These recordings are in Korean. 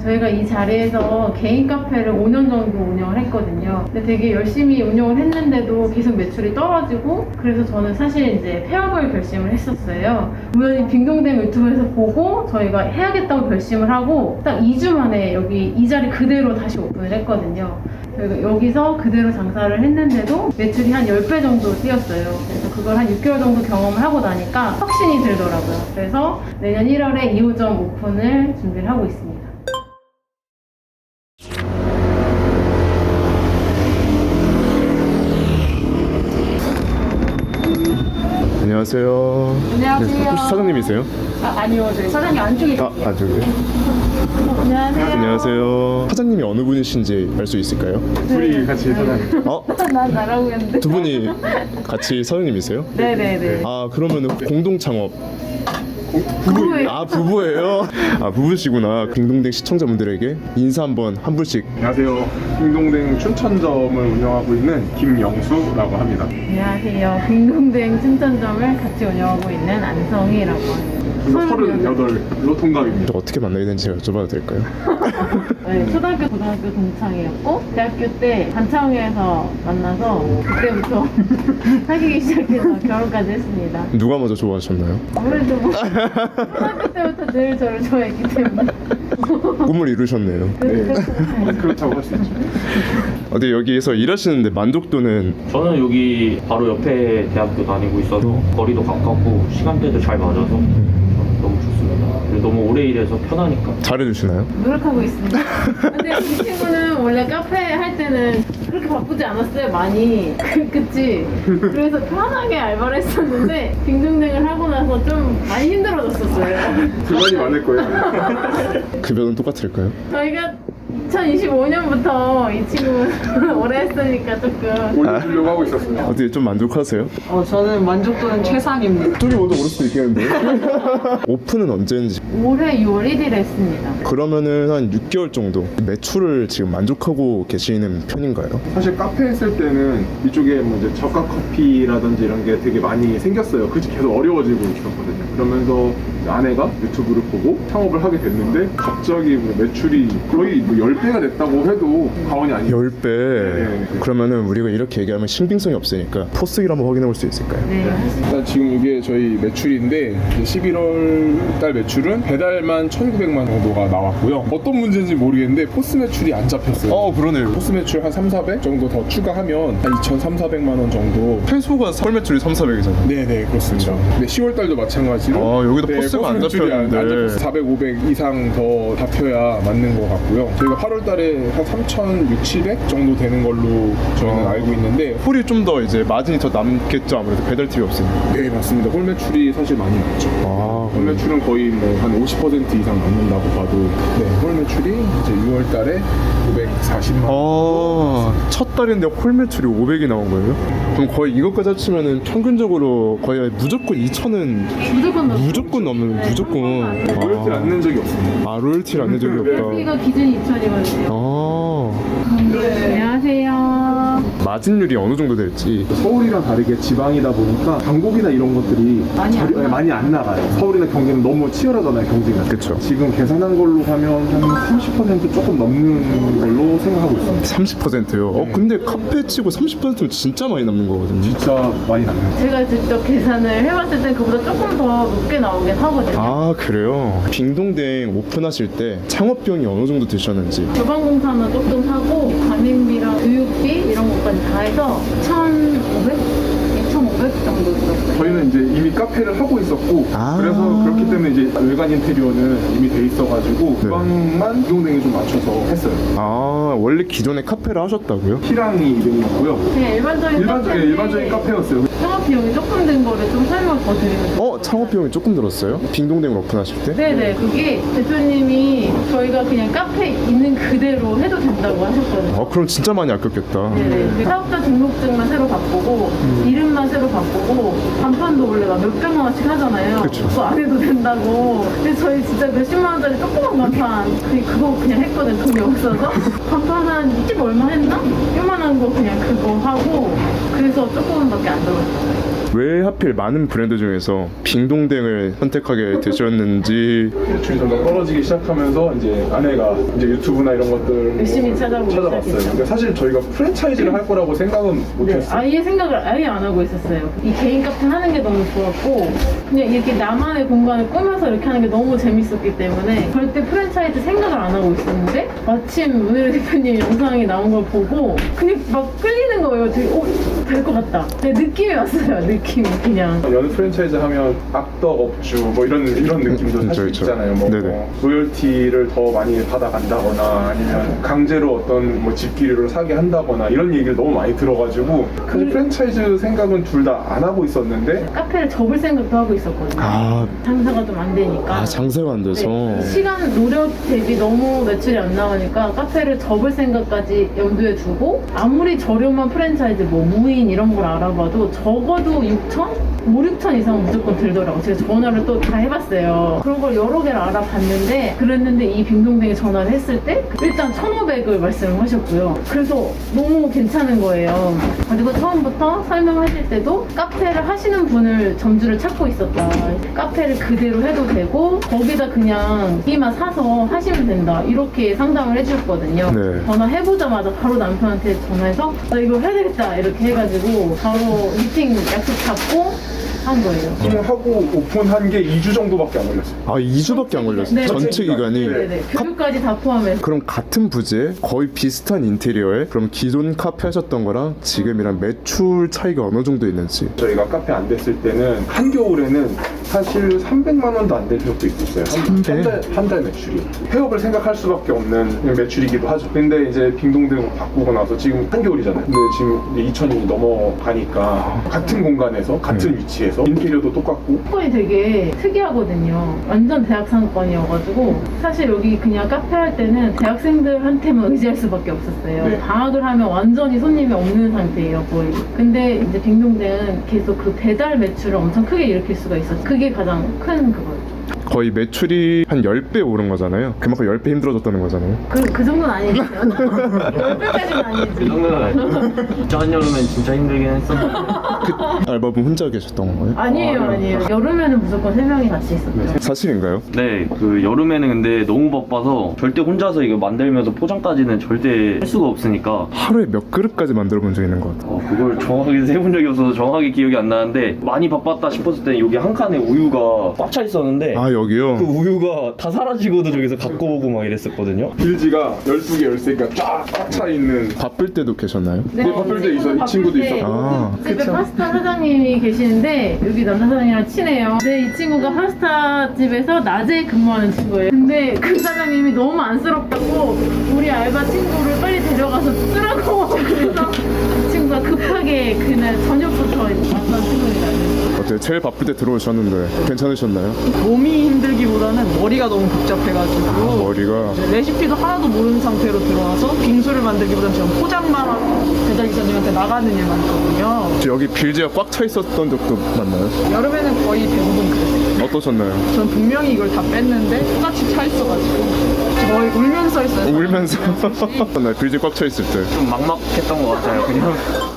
저희가 이 자리에서 개인 카페를 5년 정도 운영을 했거든요. 근데 되게 열심히 운영을 했는데도 계속 매출이 떨어지고, 그래서 저는 사실 이제 폐업을 결심을 했었어요. 우연히 빙동댕 유튜브에서 보고 저희가 해야겠다고 결심을 하고 딱 2주 만에 여기 이 자리 그대로 다시 오픈을 했거든요. 저희가 여기서 그대로 장사를 했는데도 매출이 한 10배 정도 뛰었어요. 그래서 그걸 한 6개월 정도 경험을 하고 나니까 확신이 들더라고요. 그래서 내년 1월에 2호점 오픈을 준비를 하고 있습니다. 안녕하세요. 안녕하세요. 혹시 사장님이세요? 아니요, 저희 사장님 안쪽에 계세요. 저기요. 안녕하세요. 안녕하세요. 사장님이 어느 분이신지 알 수 있을까요? 둘이 같이 사장님. 난 나라고 했는데. 두 분이 같이 사장님이세요? 네네네. 아, 그러면 공동 창업. 부부예요. 아, 부부예요? 아, 부부시구나. 빙동댕 시청자분들에게 인사 한 분씩. 안녕하세요. 빙동댕 춘천점을 운영하고 있는 김영수라고 합니다. 안녕하세요. 빙동댕 춘천점을 같이 운영하고 있는 안성희라고 합니다. 38로 통감입니다. 어떻게 만나게 된지 여쭤봐도 될까요? 네, 초등학교, 고등학교 동창이었고 대학교 때 단창회에서 만나서 그때부터 사귀기 시작해서 결혼까지 했습니다. 누가 먼저 좋아하셨나요? 아무래도 뭐 초등학교 때부터 늘 저를 좋아했기 때문에 꿈을 이루셨네요. 그렇다고 할 수 있죠. 어디 여기에서 일하시는데 만족도는 저는 여기 바로 옆에 대학교 다니고 있어서 거리도 가깝고 시간대도 잘 맞아서 너무 좋습니다. 그리고 너무 오래 일해서 편하니까. 잘해주시나요? 노력하고 있습니다. 근데 이 친구는 원래 카페 할 때는 그렇게 바쁘지 않았어요, 많이. 그치? 그래서 편하게 알바를 했었는데 빙등등을 하고 나서 좀 많이 힘들어졌었어요. 불만이 많을 거예요. 급여는 똑같을까요? 저희가 2025년부터 이 친구 오래 했으니까 조금 올려주려고 하고 있었어요. 어떻게 좀 만족하세요? 저는 만족도는 최상입니다. 쪽이 먼저 오를 수도 있겠는데. 오픈은 언제인지. 올해 6월 1일에 했습니다. 그러면은 한 6개월 정도 매출을 지금 만족하고 계시는 편인가요? 사실 카페 했을 때는 이쪽에 뭐 이제 저가 커피라든지 이런 게 되게 많이 생겼어요. 그게 계속 어려워지고 있었거든요. 그러면서 아내가 유튜브를 보고 창업을 하게 됐는데 갑자기 뭐 매출이 거의 뭐 10배가 됐다고 해도 과언이 아니에요. 10배. 네. 그러면은 우리가 이렇게 얘기하면 신빙성이 없으니까 포스기를 한번 확인해 볼 수 있을까요? 네. 일단 지금 이게 저희 매출인데 11월 달 매출은 배달만 1,900만 정도가 나왔고요. 어떤 문제인지 모르겠는데 포스 매출이 안 잡혔어요. 그러네요. 포스 매출 한 3, 400 정도 더 추가하면 한 2,300, 400만 원 정도. 최소가 설 매출이 3, 400이잖아요. 네네 그렇습니다. 근데 10월 달도 마찬가지로 여기도 포스가 안 매출이 잡혔는데. 400, 500 이상 더 잡혀야 맞는 것 같고요. 저희가 8월 달에 한 3,600, 700 정도 되는 걸로 저희는 알고 있는데 홀이 좀 더 이제 마진이 더 남겠죠. 아무래도 배달 팁이 없으니까. 네 맞습니다. 홀 매출이 사실 많이 남죠. 홀 매출은 거의 뭐 한 50% 이상 남는다고 봐도 홀 매출이 이제 6월 달에 540만 원. 첫 달인데 홀 매출이 500이 나온 거예요? 그럼 거의 이것까지 합치면은 평균적으로 거의 무조건 2,000은 무조건 넘는 네, 무조건. 로열티를 안 낸 적이 없습니다. 로열티를 안 낸 적이 없다. 여기가 기준이 2,000이거든요. 안녕하세요. 마진율이 어느 정도 될지. 서울이랑 다르게 지방이다 보니까 광고비나 이런 것들이 많이 안 나가요. 서울이나 경기는 너무 치열하잖아요, 경기가. 그쵸. 지금 계산한 걸로 하면 한 30% 조금 넘는 걸로 생각하고 있습니다. 30%요? 근데 카페 치고 30%면 진짜 많이 남는 거거든요. 진짜 많이 남는 제가 직접 계산을 해봤을 때 그보다 조금 더 높게 나오긴 하거든요. 그래요? 빙동댕 오픈하실 때 창업비용이 어느 정도 드셨는지. 주방공사는 조금 하고 가맹비랑 교육비 이런 것까지 다 해서 1,500? 2,500 정도 들었어요. 저희는 이제 이미 카페를 하고 있었고 아. 그래서 그렇기 때문에 이제 외관 인테리어는 이미 돼 있어가지고 주방만 빙동댕에 좀 맞춰서 했어요. 원래 기존에 카페를 하셨다고요? 희랑이 이름이었고요. 그냥 일반적인 카페였어요. 창업 비용이 조금 든 거를 좀 설명 더 드리면 창업 비용이 조금 들었어요? 빙동댕을 오픈하실 때? 네네, 그게 대표님이 저희가 그냥 카페 있는 그대로 해도 된다고 하셨거든요. 그럼 진짜 많이 아꼈겠다. 네네. 사업자 등록증만 새로 바꾸고 이름만 새로 바꾸고 간판도 원래 막 몇백만 원씩 하잖아요. 그쵸. 그거 안 해도 된다고. 근데 저희 진짜 몇십만 원짜리 조그만 간판 그거 그냥 했거든, 돈이 없어서. 간판 한 20 얼마 했나? 요만한 거 그냥 그거 하고 그래서 조금밖에 안 들었어요. 왜 하필 많은 브랜드 중에서 빙동댕을 선택하게 되셨는지. 매출이 점점 떨어지기 시작하면서 이제 아내가 이제 유튜브나 이런 것들 열심히 찾아보기 찾아봤어요. 시작했죠. 근데 사실 저희가 프랜차이즈를 할 거라고 생각은 네, 못했어요. 아예 생각을 아예 안 하고 있었어요. 이 개인 카페 하는 게 너무 좋았고 그냥 이렇게 나만의 공간을 꾸며서 이렇게 하는 게 너무 재밌었기 때문에 절대 프랜차이즈 생각을 안 하고 있었는데 마침 오늘 대표님 영상이 나온 걸 보고 그냥 막 끌리는 거예요. 되게 될 것 같다. 그냥 느낌이 왔어요. 느낌이 그냥. 연애 프랜차이즈 하면 악덕 업주 뭐 이런 느낌도 사실 그렇죠. 있잖아요. 뭐, 네네. 로열티를 더 많이 받아간다거나 아니면 강제로 어떤 뭐 집기류를 사게 한다거나 이런 얘기를 너무 많이 들어가지고 사실 프랜차이즈 생각은 둘 다 안 하고 있었는데 카페를 접을 생각도 하고 있었거든요. 장사가 좀 안 되니까. 장사가 안 돼서. 네, 시간 노력 대비 너무 매출이 안 나오니까 카페를 접을 생각까지 염두에 두고 아무리 저렴한 프랜차이즈 뭐 무인 이런 걸 알아봐도 적어도 6천? 5, 6천 이상 무조건 들더라고요. 제가 전화를 또 다 해봤어요. 그런 걸 여러 개를 알아봤는데 그랬는데 이 빙동댕에 전화를 했을 때 일단 1,500을 말씀을 하셨고요. 그래서 너무 괜찮은 거예요. 그리고 처음부터 설명하실 때도 카페를 하시는 분을 점주를 찾고 있었다. 카페를 그대로 해도 되고 거기다 그냥 고기만 사서 하시면 된다. 이렇게 상담을 해주셨거든요. 네. 전화해보자마자 바로 남편한테 전화해서 나 이거 해야 되겠다 이렇게 해가지고 바로 미팅 약속 잡고 한 거예요. 하고 오픈한 게 2주 정도밖에 안 걸렸어요. 2주밖에 안 걸렸어요. 네, 전체 기간이. 네네. 교육까지 다 포함해서. 그럼 같은 부지에 거의 비슷한 인테리어에 그럼 기존 카페 하셨던 거랑 지금이랑 매출 차이가 어느 정도 있는지. 저희가 카페 안 됐을 때는 한겨울에는 사실 300만 원도 안 될 적도 있었어요. 300? 한 달 매출이. 폐업을 생각할 수밖에 없는 매출이기도 하죠. 근데 이제 빙동댕 바꾸고 나서 지금 한겨울이잖아요. 근데 지금 이제 2천이 넘어가니까 같은 공간에서 같은 위치에서 인테리어도 똑같고 상권이 되게 특이하거든요. 완전 대학 상권이어가지고 사실 여기 그냥 카페 할 때는 대학생들한테만 의지할 수밖에 없었어요. 네. 방학을 하면 완전히 손님이 없는 상태예요, 거의. 근데 이제 빙동댕은 계속 그 배달 매출을 엄청 크게 일으킬 수가 있었어요. 그게 가장 큰 그거였죠. 거의 매출이 한 10배 오른 거잖아요. 그만큼 10배 힘들어졌다는 거잖아요. 그 정도는 아니겠어요. 10배까지는 아니지. 그 정도는 아니고 진짜 한여름엔 진짜 힘들긴 했었는데 알바분 혼자 계셨던 거예요? 아니에요. 여름에는 무조건 3명이 같이 있었죠. 사실인가요? 네, 그 여름에는 근데 너무 바빠서 절대 혼자서 이거 만들면서 포장까지는 절대 할 수가 없으니까 하루에 몇 그릇까지 만들어 본 적 있는 것 같아요. 그걸 정확하게 세본 적이 없어서 정확하게 기억이 안 나는데 많이 바빴다 싶었을 때 여기 한 칸에 우유가 꽉 차 있었는데 여기요? 그 우유가 다 사라지고도 저기서 갖고 오고 막 이랬었거든요. 빌지가 12개, 13개가 쫙 꽉 차 있는 바쁠 때도 계셨나요? 네, 바쁠 때 있어요. 이 친구도 있었고. 집에 파스타 사장님이 계시는데 여기 남자 사장님이랑 친해요. 근데 이 친구가 파스타 집에서 낮에 근무하는 친구예요. 근데 그 사장님이 너무 안쓰럽다고 우리 알바 친구를 빨리 데려가서 쓰라고 그래서 이 친구가 급하게 그날 저녁부터 왔던 친구입니다. 어때요? 제일 바쁠 때 들어오셨는데 괜찮으셨나요? 몸이 힘들기보다는 머리가 너무 복잡해가지고 머리가 이제 레시피도 하나도 모르는 상태로 들어와서 빙수를 만들기보다는 지금 포장만 하고 배달기사님한테 나가는 일만 있거든요. 혹시 여기 빌지가 꽉 차 있었던 적도 맞나요? 여름에는 거의 대부분 그랬어요. 어떠셨나요? 전 분명히 이걸 다 뺐는데 똑같이 차 있어가지고 거의 울면서 했어요. 울면서 나 빌지 꽉 차 있을 때 좀 막막했던 것 같아요. 그냥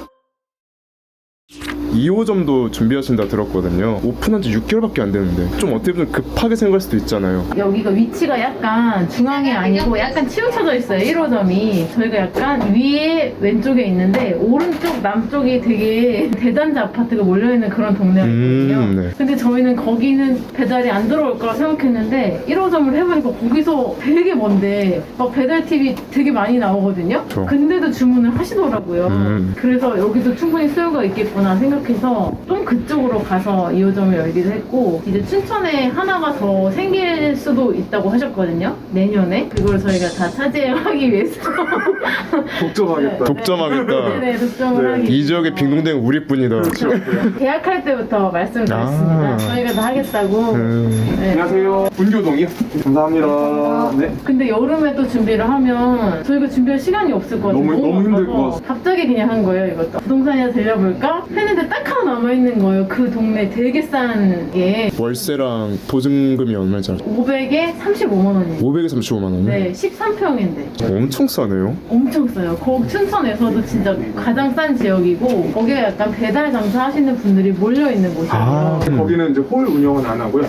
2호점도 준비하신다 들었거든요. 오픈한 지 6개월밖에 안 됐는데 좀 어떻게 보면 급하게 생각할 수도 있잖아요. 여기가 위치가 약간 중앙이 아니고 약간 치우쳐져 있어요. 1호점이. 저희가 약간 위에 왼쪽에 있는데 오른쪽 남쪽이 되게 대단지 아파트가 몰려있는 그런 동네가 있거든요. 네. 근데 저희는 거기는 배달이 안 들어올 거라 생각했는데 1호점을 해보니까 거기서 되게 먼데 막 배달 팁이 되게 많이 나오거든요. 그렇죠. 근데도 주문을 하시더라고요. 그래서 여기도 충분히 수요가 있겠구나 생각해서 좀 그쪽으로 가서 2호점을 열기도 했고 이제 춘천에 하나가 더 생길 수도 있다고 하셨거든요. 내년에. 그걸 저희가 다 차지하기 위해서 독점하겠다. 독점하겠다. 네네, 독점을 하기 이 지역의 빙동댕 우리뿐이다. 계약할 때부터 말씀드렸습니다. 저희가 다 하겠다고. 네. 안녕하세요. 분교동이요. 감사합니다. 네. 근데 여름에 또 준비를 하면 저희가 준비할 시간이 없을 것 같아요. 너무 힘들 것 바빠서. 같아요. 갑자기 그냥 한 거예요, 이것도. 부동산이나 들려볼까? 했는데 아파트가 딱 하나 남아있는 거예요. 그 동네 되게 싼 게. 월세랑 보증금이 얼마인지 알죠? 500에 35만 원이에요. 500에 35만 원이요? 네, 13평인데. 엄청 싸네요. 엄청 싸요. 거기 춘천에서도 진짜 가장 싼 지역이고, 거기에 약간 배달 장사 하시는 분들이 몰려있는 곳이에요. 아, 거기는 이제 홀 운영은 안 하고요.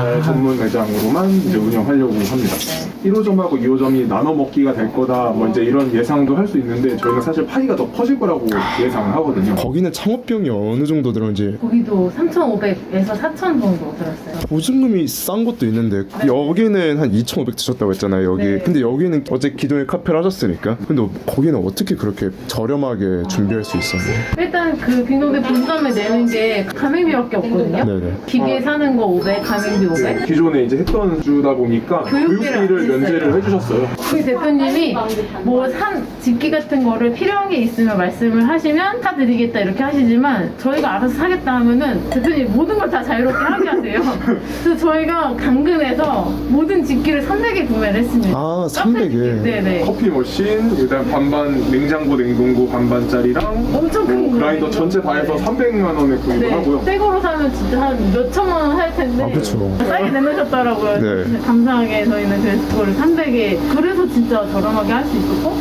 전문 매장으로만 이제 운영하려고 합니다. 1호점하고 2호점이 나눠 먹기가 될 거다, 뭐 이제 이런 예상도 할 수 있는데 저희는 사실 파이가 더 커질 거라고 예상을 하거든요. 거기는 창업비용이 어느 정도 들었는지 거기도 3,500에서 4,000 정도 들었어요. 보증금이 싼 것도 있는데 여기는 한 2,500 드셨다고 했잖아요. 여기. 네. 근데 여기는 어제 기존에 카페를 하셨으니까. 근데 거기는 어떻게 그렇게 저렴하게 준비할 수 있었나요? 일단 그 빙동대 본점에 내는 게 가맹비밖에 없거든요. 네네. 기계 사는 거 500, 가맹비 500. 기존에 이제 했던 주다 보니까 교육비를 교육비를 안 면제를 해주셨어요. 우리 대표님이 뭐 집기 같은 거를 필요한 게 있으면 말씀을 하시면 사드리겠다 이렇게 하시지만 저희가 알아서 사겠다 하면은 대표님 모든 걸 다 자유롭게 하게 하세요. 그래서 저희가 당근에서 모든 집기를 300에 구매를 했습니다. 아, 300에. 네네. 커피 머신, 일단 반반 냉장고 냉동고 반반짜리랑 엄청 큰 뭐 그라인더 거거든요. 전체 다 해서 300만 원에 구입을 네. 하고요. 새 거로 사면 진짜 한 몇 천만 원 할 텐데. 아, 그쵸. 싸게 내놓으셨더라고요. 네. 감사하게 저희는 그래서 그거를 300에. 그래서 진짜 저렴하게 할 수 있었고,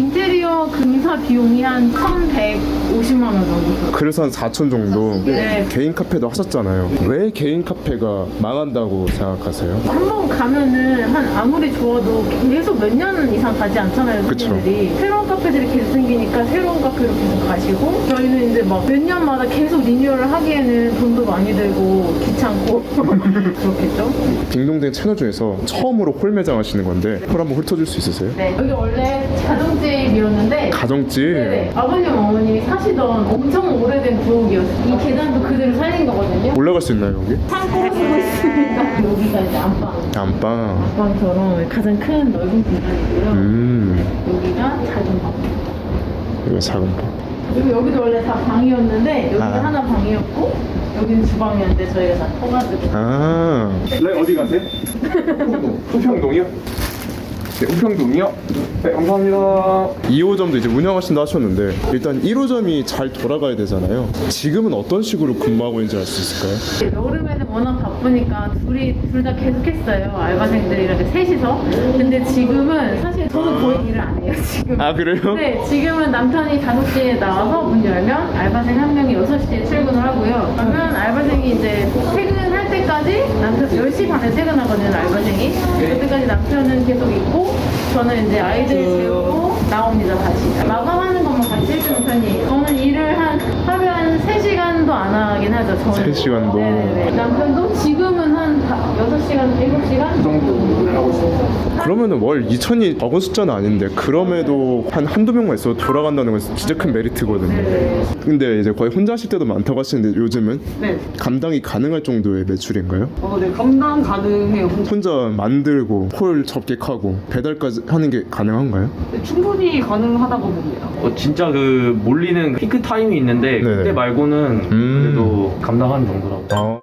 인테리어 공사 비용이 한 1,150만 원 정도 들어요. 그래서 한 4천 정도. 네. 개인 카페도 하셨잖아요. 왜 개인 카페가 망한다고 생각하세요? 한 번 가면은 한 아무리 좋아도 계속 몇 년 이상 가지 않잖아요, 그쵸. 손님들이. 새로운 카페들이 계속 생기니까 새로운 카페로 계속 가시고, 저희는 이제 막 몇 년마다 계속 리뉴얼을 하기에는 돈도 많이 들고 귀찮고 그렇겠죠? 딩동댕 채널 중에서 처음으로 홀 매장 하시는 건데 홀 한번 훑어줄 수 있으세요? 네, 여기 원래 가정집이었는데 가정집? 네네. 아버님 어머님이 사시던 엄청 오래된 부엌이었어요. 이 계단도 그대로 살린 거거든요. 올라갈 수 있나요 여기? 창고로 쓰고 있으니까 여기가 이제 안방. 안방. 안방처럼 가장 큰 넓은 공간이고요. 여기가 작은 방. 이거 작은 방. 그리고 여기도 원래 다 방이었는데 여기가 아. 하나 방이었고 여기는 주방이었는데 저희가 다 터가지고. 아. 네, 어디 가세요? 후평동이요? 네, 후평동이요? 네, 감사합니다. 2호점도 이제 운영하신다 하셨는데 일단 1호점이 잘 돌아가야 되잖아요. 지금은 어떤 식으로 근무하고 있는지 알 수 있을까요? 여름에는 워낙 바쁘니까 둘 다 계속했어요. 알바생들이랑 이렇게 셋이서. 근데 지금은 사실 저는 거의 일을 안 해요. 지금. 아 그래요? 네, 지금은 남편이 5시에 나와서 문 열면 알바생 한 명이 6시에 출근을 하고요. 그러면 알바생이 이제 퇴근할 때까지 남편 10시 반에 퇴근하거든요, 알바생이. 그때까지 남편은 계속 있고 저는 이제 아이들 재우고 나옵니다, 다시. 마감하는 것만 같이 해주는 편이에요. 저는 일을 하루에 한 3시간도 안 하긴 하죠, 저는. 3시간도? 네네네. 남편도 지금은 한 6시간, 7시간? 그 정도 일을 하고 있습니다. 그러면은 월 2천이 적은 숫자는 아닌데 그럼에도 한두 명만 있어도 돌아간다는 건 진짜 큰 메리트거든요. 네네. 근데 이제 거의 혼자 하실 때도 많다고 하시는데 요즘은 네. 감당이 가능할 정도의 매출인가요? 네, 감당 가능해요. 혼자 만들고 홀 접객하고 배달까지 하는 게 가능한가요? 네, 충분히 가능하다고 봅니다. 진짜 그 몰리는 피크 타임이 있는데 네네. 그때 말고는 그래도 감당하는 정도라고. 아.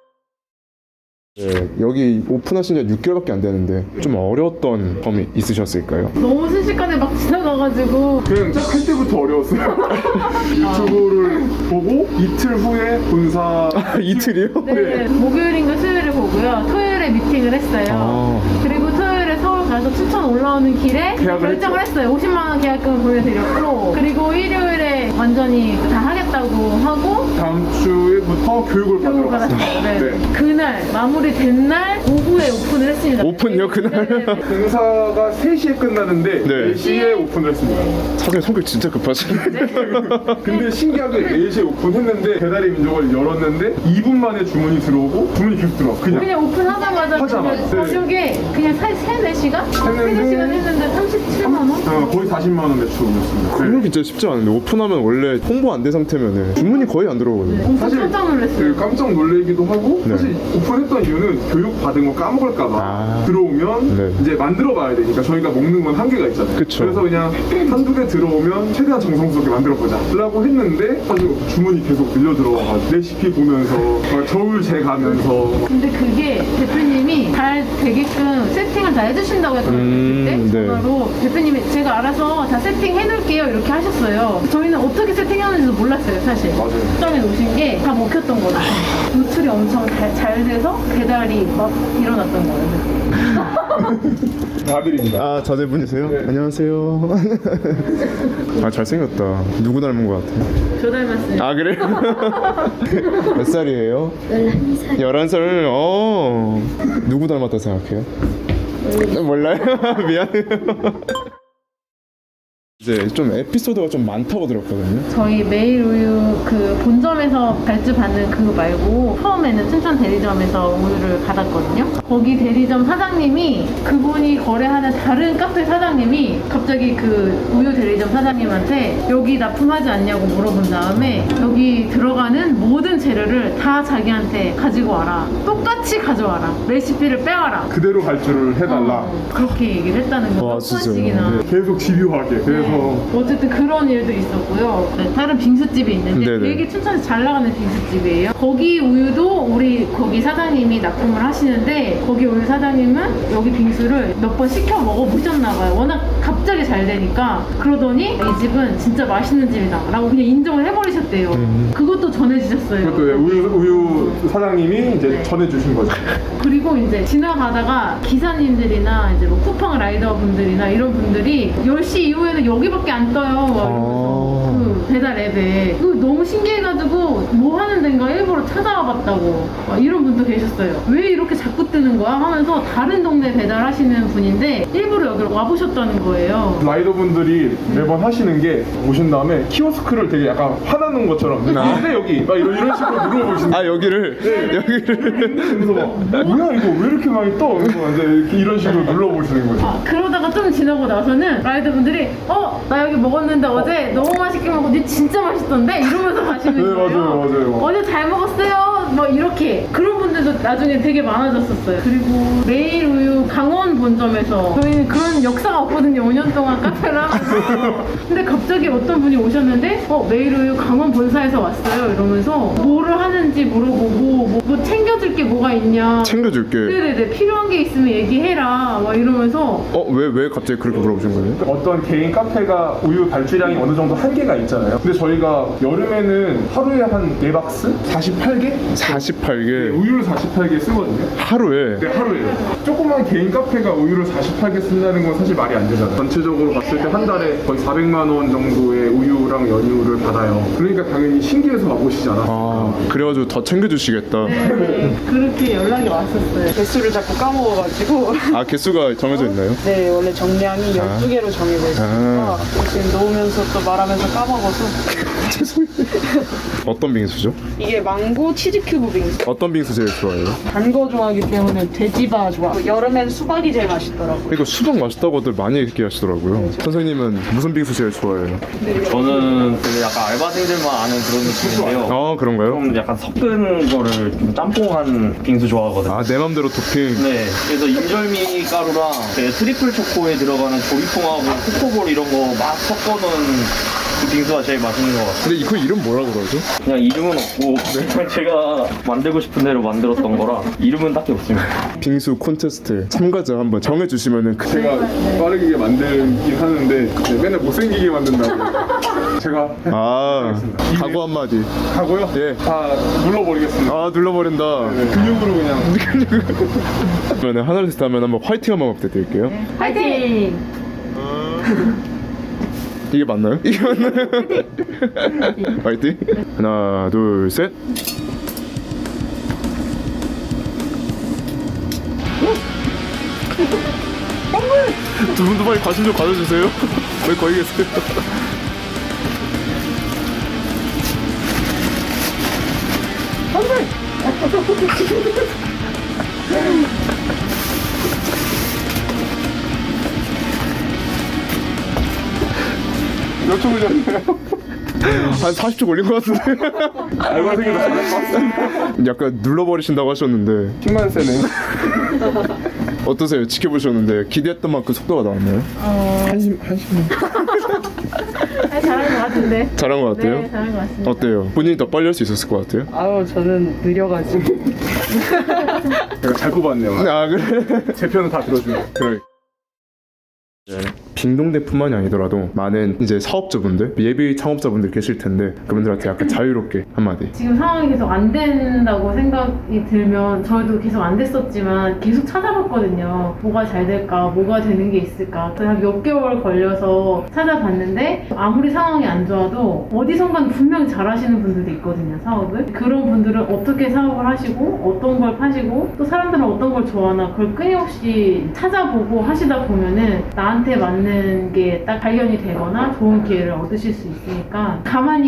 네, 여기 오픈하신 지 6개월밖에 안 되는데 좀 어려웠던 점이 있으셨을까요? 너무 순식간에 막 지나가가지고 그냥 할 때부터 어려웠어요. 유튜브를 보고 이틀 후에 본사 이틀이요? 네, 목요일인가 수요일에 보고요. 토요일에 미팅을 했어요. 아. 그리고 토요일에 서울 가서 춘천 올라오는 길에 계약을 결정을 했어요. 50만 원 계약금을 보내드렸고, 그리고 일요일에 완전히 다 하겠다고 하고 다음 주에부터 교육을 교육을 받으러 받았어요. 갔어요. 네. 그날 마무리된 날 오후에 오픈을 했습니다. 오픈이요, 그날? 네, 네. 공사가 3시에 끝나는데 네. 4시에 오픈을 했습니다. 사장님 성격 진짜 급하시네. 근데 신기하게 4시에 오픈했는데 배달의 민족을 열었는데 2분 만에 주문이 들어오고 주문이 계속 들어와. 그냥 오픈하자마자 하자마자. 그냥 저녁에 그냥 3-4시간? 3-4시간 했는데 37만 원? 거의 40만 원 매출 올렸습니다. 그건 진짜 쉽지 않은데 오픈하면 원래 홍보 안 된 상태면은 주문이 거의 안 들어오거든요. 엄청 사실 깜짝 놀랐어요. 그 깜짝 놀래기도 하고 네. 사실 오픈했던 이유는 교육 받은 거 까먹을까봐 아. 들어오면 네. 이제 만들어봐야 되니까 저희가 먹는 건 한계가 있잖아요. 그쵸. 그래서 그냥 한두 개 들어오면 최대한 정성스럽게 만들어보자 라고 했는데 사실 주문이 계속 밀려 들어와가지고 레시피 보면서 막 저울 재가면서 근데 그게 대표님이 잘 되게끔 세팅을 다 해주신다고 했거든요. 그때 네. 전화로 대표님이 제가 알아서 다 세팅해놓을게요 이렇게 하셨어요. 저희는 어떻게 세팅하는지도 몰랐어요 사실. 맞아요. 식당에 오신 게 다 먹혔던 거죠. 노출이 엄청 잘 돼서 배달이 막 일어났던 거예요. 아들입니다. 아 자제분이세요? 네. 안녕하세요. 아 잘생겼다. 누구 닮은 것 같아? 저 닮았어요. 아 그래? 몇 살이에요? 11살. 11살? 누구 닮았다 생각해요? 몰라요? 미안해요. 이제 좀 에피소드가 좀 많다고 들었거든요. 저희 매일 우유 그 본점에서 발주받는 그거 말고 처음에는 춘천 대리점에서 우유를 받았거든요. 거기 대리점 사장님이 그분이 거래하는 다른 카페 사장님이 갑자기 그 우유 대리점 사장님한테 여기 납품하지 않냐고 물어본 다음에 여기 들어가는 모든 재료를 다 자기한테 가지고 와라. 똑같이 가져와라. 레시피를 빼와라. 그대로 발주를 해달라. 그렇게 얘기를 했다는 거예요. 와, 몇 진짜요? 번씩이나. 네, 계속 집요하게. 그래서 어쨌든 그런 일도 있었고요. 네, 다른 빙수집이 있는데 네네. 되게 춘천에서 잘 나가는 빙수집이에요. 거기 우유도 우리 거기 사장님이 납품을 하시는데 거기 우유 사장님은 여기 빙수를 몇 번 시켜 먹어보셨나 봐요. 워낙 갑자기 잘 되니까 그러더니 이 집은 진짜 맛있는 집이다 라고 그냥 인정을 해버리셨대요. 그것도 전해주셨어요. 그것도 우유 사장님이 이제 네. 전해주신 거죠. 그리고 이제 지나가다가 기사님들이나 이제 뭐 쿠팡 라이더 분들이나 이런 분들이 10시 이후에는 여기밖에 안 떠요. 막 이러면서 그 배달 앱에 그 너무 신기해가지고 뭐 하는 데인가 일부러 찾아와 봤다고 막 이런 분도 계셨어요. 왜 이렇게 자꾸 뜨는 거야 하면서 다른 동네 배달하시는 분인데 일부러 여기로 와보셨다는 거예요. 라이더분들이 매번 하시는 게 오신 다음에 키오스크를 되게 약간 화나는 것처럼 근데 여기 막 이런 식으로 물어보시는 아 여기를 네. 여기를 그래서 막 뭐야 이거 왜 이렇게 많이 떠? 그래서 이제 이렇게 이런 식으로 눌러보시는 거죠. 아, 그러다가 좀 지나고 나서는 라이더분들이 나 여기 먹었는데 어제 너무 맛있게 먹고 니 진짜 맛있던데? 이러면서 가시는 네, 거예요. 맞아요. 어제 잘 먹었어요. 막 이렇게 그런 분들도 나중에 되게 많아졌었어요. 그리고 매일 우유 강원 본점에서 저희는 그런 역사가 없거든요. 5년 동안 카페를 하면서. 근데 갑자기 어떤 분이 오셨는데 매일 우유 강원 본사에서 왔어요. 이러면서 뭐를 하는지 물어보고 뭐 챙겨줄 게 뭐가 있냐. 챙겨줄게. 네네네 필요한 게 있으면 얘기해라. 막 이러면서 왜 갑자기 그렇게 물어보신 거예요? 어떤 개인 카페가 우유 발주량이 어느 정도 한계가 있잖아요. 근데 저희가 여름에는 하루에 한 4박스? 48개? 48개 우유를 48개 쓰거든요. 하루에. 네, 하루에. 조그만 개인 카페가 우유를 48개 쓴다는 건 사실 말이 안 되잖아요. 전체적으로 봤을 때 한 달에 거의 400만 원 정도의 우유랑 연유를 받아요. 그러니까 당연히 신기해서 와보시지 않았을까. 아 그래가지고 더 챙겨주시겠다. 네, 그렇게 연락이 왔었어요. 개수를 자꾸 까먹어가지고. 아 개수가 정해져 있나요? 네, 원래 정량이 12개로 정해져 있으니까 지금 놓으면서 또 말하면서 까먹어서. 어떤 빙수죠? 이게 망고 치즈 큐브 빙수. 어떤 빙수 제일 좋아해요? 단 거 좋아하기 때문에 돼지바 좋아. 여름엔 수박이 제일 맛있더라고. 그러니까 수박 맛있다고들 많이 얘기하시더라고요. 선생님은 무슨 빙수 제일 좋아해요? 저는 그 약간 알바생들만 아는 그런 느낌인데요. 아 그런가요? 좀 약간 섞은 거를 좀 짬뽕한 빙수 좋아하거든요. 아 내 맘대로 토핑. 네, 그래서 인절미 가루랑 그 트리플 초코에 들어가는 조리통하고 코코볼 이런 거 막 섞어놓은 그 빙수가 제일 맛있는 것 같아요. 근데 그 이름 뭐라 그러죠? 그냥 이름은 없고 그냥 제가 만들고 싶은 대로 만들었던 거라 이름은 딱히 없습니다. 빙수 콘테스트 참가자 한번 정해주시면은 그 제가 빠르게 만들긴 하는데 네, 맨날 못생기게 만든다고. 제가 아 각오 한마디. 가고요. 예. 다 눌러버리겠습니다. 아 눌러버린다. 네, 근육으로 그냥. 그러면 하나 둘 셋 하면 한번 화이팅 한번 부탁드릴게요. 화이팅! 이게 맞나요? 이게 맞나요? 화이팅! 하나 둘 셋. 두 분도 빨리 관심 좀 가져주세요. 왜 거기 계세요? 몇 초 걸렸나요? 한 40초 걸린 것 같은데. 알바생이라 잘할 것 같습니다. 약간 눌러버리신다고 하셨는데 힘만 세네. 어떠세요? 지켜보셨는데 기대했던 만큼 속도가 나왔나요? 한심. 잘한 것 같은데. 잘한 것 같아요? 네, 잘한 것 같습니다. 어때요? 본인이 더 빨리 할 수 있었을 것 같아요? 아유, 저는 느려가지고. 제가 잘 뽑았네요. 아 그래? 제 편은 다 들어주네요. 그래. 빙동대뿐만이 아니더라도 많은 이제 사업자분들, 예비 창업자분들 계실 텐데 그분들한테 약간 자유롭게 한마디. 지금 상황이 계속 안 된다고 생각이 들면 저희도 계속 안 됐었지만 계속 찾아봤거든요. 뭐가 잘 될까? 뭐가 되는 게 있을까? 그래서 한 몇 개월 걸려서 찾아봤는데 아무리 상황이 안 좋아도 어디선가는 분명히 잘하시는 분들도 있거든요, 사업을. 그런 분들은 어떻게 사업을 하시고 어떤 걸 파시고 또 사람들은 어떤 걸 좋아하나 그걸 끊임없이 찾아보고 하시다 보면은 나한테 맞는 게 딱 발견이 되거나 좋은 기회를 얻으실 수 있으니까 가만히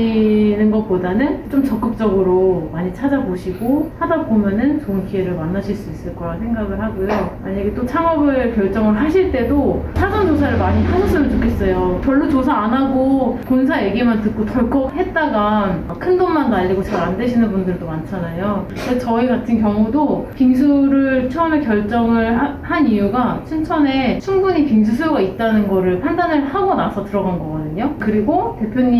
계시는 것보다는 좀 적극적으로 많이 찾아보시고 하다 보면은 좋은 기회를 만나실 수 있을 거라 생각을 하고요. 만약에 또 창업을 결정을 하실 때도 사전 조사를 많이 하셨으면 좋겠어요. 별로 조사 안 하고 본사 얘기만 듣고 덜컥 했다가 큰 돈만 날리고 잘 안 되시는 분들도 많잖아요. 근데 저희 같은 경우도 빙수를 처음에 결정을 한 이유가 춘천에 충분히 빙수 수요가 있다는 거를 판단을 하고 나서 들어간 거거든요. 그리고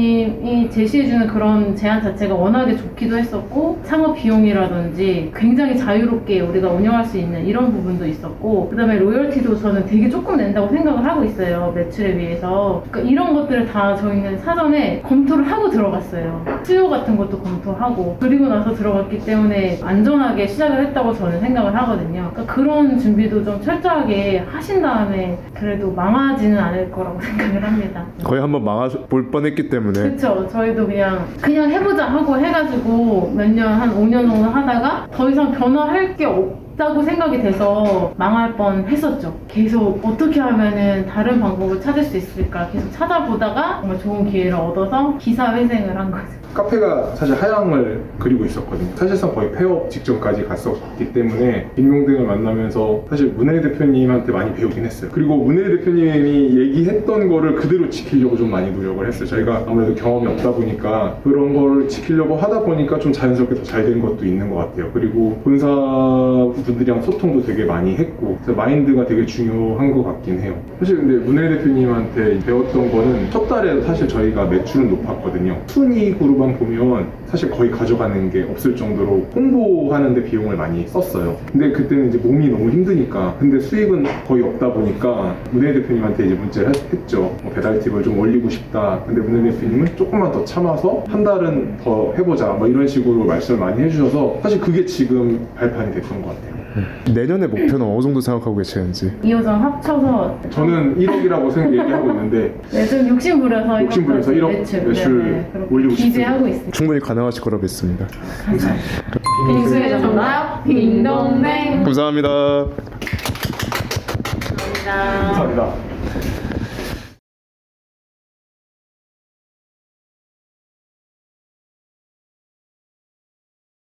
대표님이 제시해주는 그런 제안 자체가 워낙에 좋기도 했었고 창업 비용이라든지 굉장히 자유롭게 우리가 운영할 수 있는 이런 부분도 있었고, 그 다음에 로열티도 저는 되게 조금 낸다고 생각을 하고 있어요, 매출에 비해서. 그러니까 이런 것들을 다 저희는 사전에 검토를 하고 들어갔어요. 수요 같은 것도 검토하고, 그리고 나서 들어갔기 때문에 안전하게 시작을 했다고 저는 생각을 하거든요. 그러니까 그런 준비도 좀 철저하게 하신 다음에 그래도 망하지는 않을 거라고 생각을 합니다. 거의 한번 망해볼 뻔했기 때문에. 그렇죠. 저희도 그냥 해보자 하고 해가지고 몇 년, 한 5년 정도 하다가 더 이상 변화할 게 없다고 생각이 돼서 망할 뻔 했었죠. 계속 어떻게 하면은 다른 방법을 찾을 수 있을까 계속 찾아보다가 정말 좋은 기회를 얻어서 기사회생을 한 거죠. 카페가 사실 하향을 그리고 있었거든요. 사실상 거의 폐업 직전까지 갔었기 때문에 빙동댕을 만나면서 사실 문혜 대표님한테 많이 배우긴 했어요. 그리고 문혜 대표님이 얘기했던 거를 그대로 지키려고 좀 많이 노력을 했어요. 저희가 아무래도 경험이 없다 보니까 그런 걸 지키려고 하다 보니까 좀 자연스럽게 더 잘 된 것도 있는 것 같아요. 그리고 본사 분들이랑 소통도 되게 많이 했고 마인드가 되게 중요한 것 같긴 해요. 사실 근데 문혜 대표님한테 배웠던 거는 첫 달에 사실 저희가 매출은 높았거든요. 순이익으로만 보면 사실 거의 가져가는 게 없을 정도로 홍보하는데 비용을 많이 썼어요. 근데 그때는 이제 몸이 너무 힘드니까, 근데 수익은 거의 없다 보니까 문혜 대표님한테 이제 문자를 했죠. 배달 팁을 좀 올리고 싶다. 근데 문혜 대표님은 조금만 더 참아서 한 달은 더 해보자, 뭐 이런 식으로 말씀을 많이 해주셔서 사실 그게 지금 발판이 됐던 것 같아요. 내년의 목표는 어느 정도 생각하고 계시는지. 2호점 합쳐서 저는 1억이라고 얘기하고 있는데 네, 좀 욕심부려서 1억 매출 올리고 기대하고 싶습니다. 있습니다. 충분히 가능하실 거라 믿습니다. 빙수의 정답 빙동댕. 감사합니다. 감사합니다. 감사합니다.